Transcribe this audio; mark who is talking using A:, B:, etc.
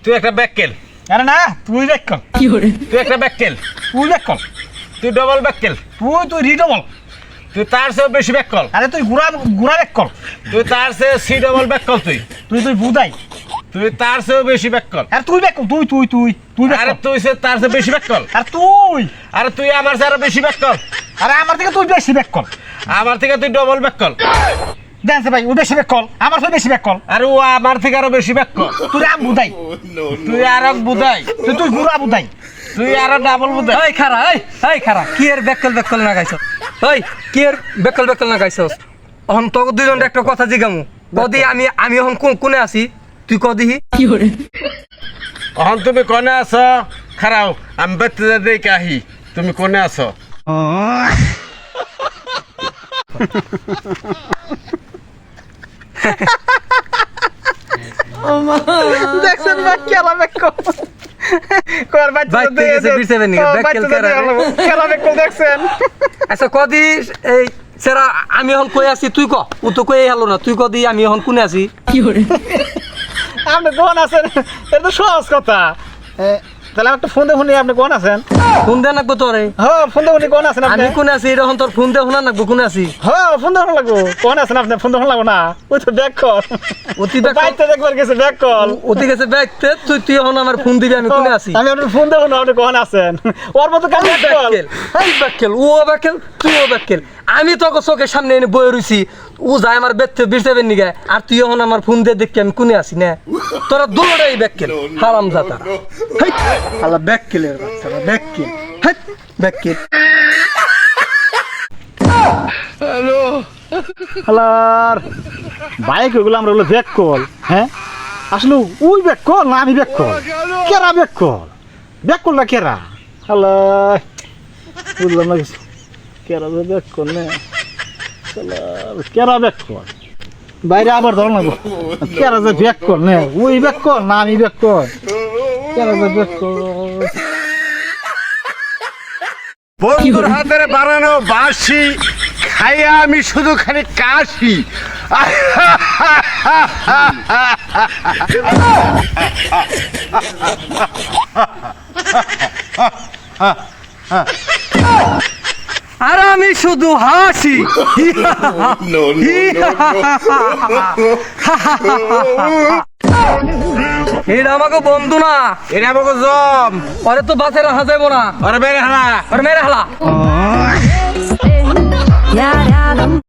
A: তুই একটা ব্যাককেল।
B: আরে না তুই ব্যাককল
A: তুই একটা ব্যাককেল।
B: তুই ব্যাককল
A: তুই ডবল ব্যাককেল।
B: তুই রিডবল।
A: তুই তার চেয়েও বেশি ব্যাককল।
B: আরে তুই গুড়া গুড়া ব্যাককল।
A: তুই তার চেয়ে সি ডবল ব্যাককল।
B: তুই বুদাই।
A: তুই তার চেয়েও বেশি ব্যাককল।
B: আরে তুই ব্যাককল তুই
A: আরে
B: ব্যাককল।
A: তুই তার চেয়ে বেশি ব্যাককল।
B: আরে
A: তুই আমার চেয়ে আরো বেশি ব্যাককল।
B: আরে আমার থেকে তুই বেশি ব্যাককল।
A: আমার থেকে তুই ডবল ব্যাককল।
B: জানছে ভাই ও বেশি ব্যাককল আমার থেকে বেশি ব্যাককল।
A: আর ও আমার থেকে আরো বেশি ব্যাককল।
B: তুই আম বুদাই।
A: তুই আরো বুঝাই।
B: তুই গুড়া বুদাই।
A: তুই আরো ডাবল বুঝাই।
C: এই খারা কি এর বেকল না গাইছ ওই কি এর বেকল না গাইছস এখন তো দুইজন একটা কথা জিগামু কদি আমি এখন কোনে আছি তুই কদিহি
A: এখন তুমি কোনে আছো? খারাও আমি বেতে দেই কাহি। তুমি কোনে আছো?
B: দেখছেন ভাই খেলা ব্যাককল। কর বাচ্চা
C: ভাই, ঠিক আছে, বিরসেবেন নি, ব্যাককেল কারা রে?
B: খেলা ব্যাককল দেখছেন।
C: আচ্ছা কদি এই সেরা আমি এখন কই আছি তুই ক ও তো কই হলো না তুই কদি আমি এখন কোনে আছি
B: আপনি কোন আছেন? এটা তো সহজ কথা। তাহলে একটা ফোন দেখুন আপনি কোন আছেন?
C: ফোন দে নাকবো তোরে
B: হ্যাঁ ফোন দেখুন কোন আছেন আপনি?
C: আমি কোনে আছি এরকম তোর ফোন দে শোনা নাকবো কোনে আছি
B: হ্যাঁ ফোন দেখুন লাগবো। কোন আছেন আপনি? ফোন দেখুন লাগবো না। ওই তো ব্যাক কল।
C: অতি ব্যাক
B: বাইতে দেখবার গেছে ব্যাক কল।
C: অতি গেছে ব্যাগতে তুই এখন আমার ফোন দিবি আমি কোনে আছি
B: আমি আপনার ফোন দেখুন আপনি কোন আছেন? ওর মতো কাজ ব্যাক কল।
C: ব্যাককেল ও ব্যাককেল তুই ও ব্যাককেল আমি তো চোখের সামনে এনে বয়ে রইছি ও যায় আমার বেতে বিরসেবেন নিগে আর তুই এখন আমার ফোন দিয়ে দেখি আমি কোনে আছি না তোরা দুটোটাই ব্যাককেল হারাম জাতা
B: আল্লাহ ব্যাককেলের বাচ্চারা ব্যাককেল।
C: ব্যাককেল
B: হালার বাইক ওগুলো আমরা হলো ব্যাক কল। হ্যাঁ আসলে ওই ব্যাক কল না আমি ব্যাক কল? কেরা ব্যাক কল? ব্যাক কল না কেরা? হালার বুঝলাম না কিছু। কেরা যে ব্যাক কল না কেরা ব্যাক কল? বাইরে আবার ধর না কেরা যে ব্যাক কল না ওই ব্যাক কল না আমি ব্যাক কল? কেরা যে ব্যাক কল?
A: বন্ধুর হাতের বানানো বাঁশি খাইয়া আমি শুধু খালি কাশি।
C: আর আমি শুধু হাসি এটা আমাকে বন্ধু না
A: এটা আমাকে জম।
C: ওরে তো বাসে রাখা যাবো না
A: ওরে বেড়ে হালা।
C: ওরে মেরে হালা